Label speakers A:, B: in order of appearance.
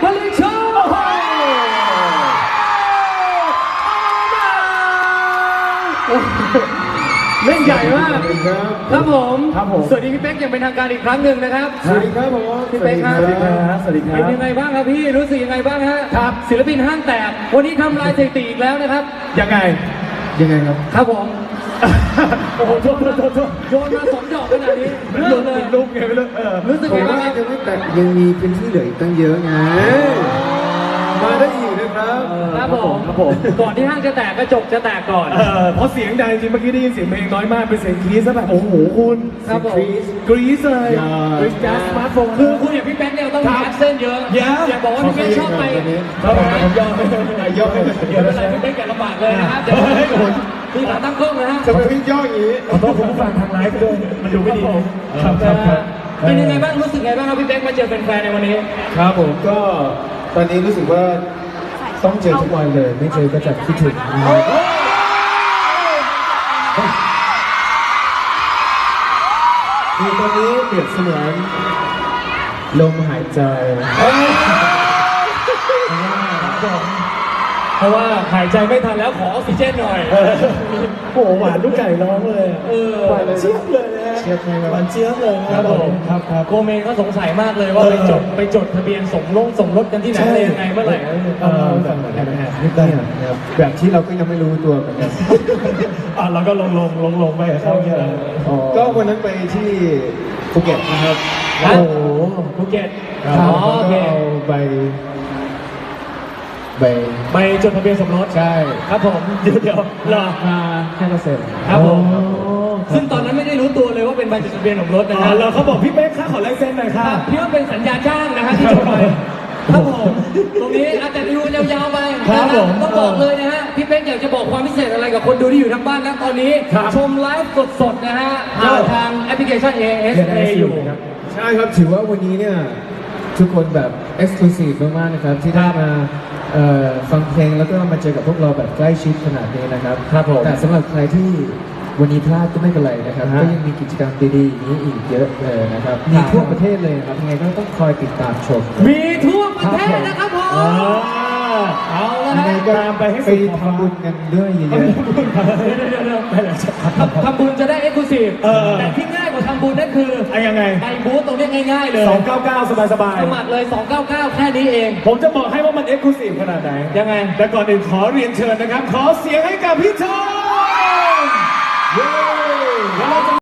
A: ผลิตโชเล่นใหญ่มากครับผมสวัสดีพี่เป๊กอย่างเป็นทางการอีกครั้งหนึ่งนะครับ
B: สวัสดีครับผม
A: พี่เป๊กครับ
B: สวัสดีครับสวัสดีครับ
A: เป็นยังไงบ้างครับพี่รู้สึกยังไงบ้างฮะ
B: ครับ
A: ศิลปินห้างแตกวันนี้ทำลายสถิติอีกแล้วนะครับ
B: ยังไงครับ
A: ครับผมโอ้โหโยนมา2 ดอกขนาดนี้เรื่องเลย
B: ลุกไงไม่รู้
A: รู้สึกไงบ้างครับ
C: ยังไม่แตกยังมีพื้นที่เหลืออีกตั้งเยอะไง
B: มาได้อีกนะครับ
A: ครับผมก่อนที่ห้างจะแตกกระจกจะแตกก่อน
B: เพราะเสียงดังจริงเมื่อกี้ได้ยินเสียงเพลงน้อยมากเป็นเสียงกรี๊ดซะแบบโอ้โหคุณ
A: ครับผม
B: กรี๊ดเลยกรี๊ดแก๊สสมาร์ทโฟน
A: คือคุณอย่างพี่แป๊กเนี่ยต้องมีแอคเซนต์เยอะอย่าบอกว่าพี่แป๊กชอบไป
B: ผมยอมไม่เป็นไร
A: พี่แป๊กอย่าลำบากเลยนะครับเดี๋ยวพี่ขาตั้งกล้องนะฮะ
B: จะไปวิ่งย่ออย่างนี้ขอโทษคุณผู้ฟังทางไลฟ์ด้วยมันดูไม่ดีครับ
A: เป็นยังไงบ้างรู้สึกไงบ้างครับพี่แป๊กมาเจอแฟนๆในวันนี้
B: ครับผมก็ตอนนี้รู้สึกว่าต้องเจอทุกวันเลยไม่เจอก็จะคิดถึงคือตอนนี้เปรียบเสมือนลมหายใจ
A: เพราะว่าหายใจไม่ทันแล้วขอออกซิเจนหน่อย
B: โอ้โหหวานลูกไก่ร้องเลยหวานเจี๊ยบเลยนะหวานเจี๊ยบเลยครับผมครับ
A: โกเมนก็สงสัยมากเลยว่าไปจดทะเบียนสมรสกันที่ไหนอะไรยังไงเมื่อไหร่
B: แบบที่เราก็ยังไม่รู้ตัวเหมือนกันเราก็ลงไปเข้าเนี่ยก็วันนั้นไปที่ภูเก็ตนะครับ
A: โอ้โหภูเก็ต
B: ก็เอา
A: ไปจดทะเบียนสมรส
B: ใช่
A: ครับผมเดี๋ยวรอ
B: มา5%
A: ครับผมซึ่งตอนนั้นไม่ได้รู้ตัวเลยว่าเป็นใบจดทะเบียนสมรสนะฮะ
B: เราเขาบอกพี่เป๊กขอลายเซ็นหน่อยค่ะ
A: พี่ว่าเป็นสัญญาจ้างนะฮะที่จดไปครับผมตรงนี้อาจจะดูยาวๆไปต้องบอกเลยนะฮะพี่เป๊กอยากจะบอกความพิเศษอะไรกับคนดูที่อยู่ทางบ้านนะตอนนี้ชมไลฟ์สดๆนะฮะผ่านทางแอปพลิเคชัน AS Play อยู่
B: ใช่ครับถือว่าวันนี้เนี่ยทุกคนแบบ exclusive มากๆนะครับที่ได้มาฟังเพลงแล้วก็มาเจอกับพวกเราแบบใกล้ชิดขนาดนี้นะครับแต่สำหรับใครที่วันนี้พลาดก็ไม่เป็นไรนะครับก็ยังมีกิจกรรมดีๆอย่างนี้อีกเยอะเลยนะครับมีทั่วประเทศเลยครับยังไงก็ต้องคอยติดตามชม
A: มีทั่วประเทศนะครับผมเอาละฮะ
B: ตามไปให้ไปทำบุญกันด้วยเยอะ
A: ๆทำบุญจะได้ exclusive แต่ที่ง่ายกว่าทำบุญนั่นคือ
B: ยังไง
A: ไปบูธตรงนี้ง่ายๆเลย
B: 299สบาย
A: ๆสมัครเลย299แค่นี้เอง
B: ผมจะบอกให้ว่ามัน exclusive ขนาดไหน
A: ยังไง
B: แต่ก่อนอื่นขอเรียนเชิญนะครับขอเสียงให้กับพี่ทอง